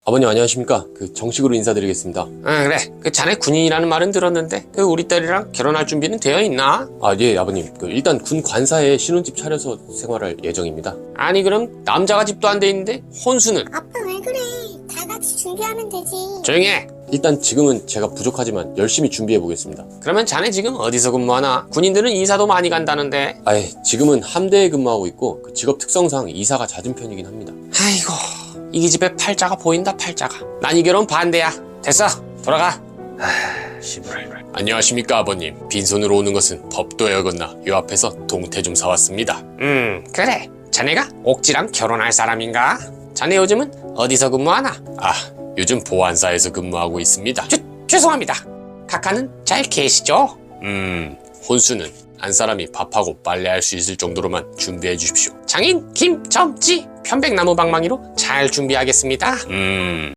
아버님 안녕하십니까? 정식으로 인사드리겠습니다. 그래. 자네 군인이라는 말은 들었는데 우리 딸이랑 결혼할 준비는 되어 있나? 예, 아버님. 일단 군 관사에 신혼집 차려서 생활할 예정입니다. 아니 그럼 남자가 집도 안 돼 있는데 혼수는? 아빠 왜 그래? 다 같이 준비하면 되지. 조용히 해. 일단 지금은 제가 부족하지만 열심히 준비해 보겠습니다. 그러면 자네 지금 어디서 근무하나? 군인들은 이사도 많이 간다는데. 지금은 함대에 근무하고 있고 직업 특성상 이사가 잦은 편이긴 합니다. 아이고 이 집에 팔자가 보인다 팔자가. 난 이 결혼 반대야. 됐어 돌아가. 안녕하십니까 아버님. 빈손으로 오는 것은 법도에 어긋나 요 앞에서 동태 좀 사왔습니다. 그래. 자네가 옥지랑 결혼할 사람인가? 자네 요즘은 어디서 근무하나? 요즘 보안사에서 근무하고 있습니다. 죄송합니다. 카카는 잘 계시죠? 혼수는 한 사람이 밥하고 빨래할 수 있을 정도로만 준비해 주십시오. 장인 김점지 편백나무 방망이로 잘 준비하겠습니다.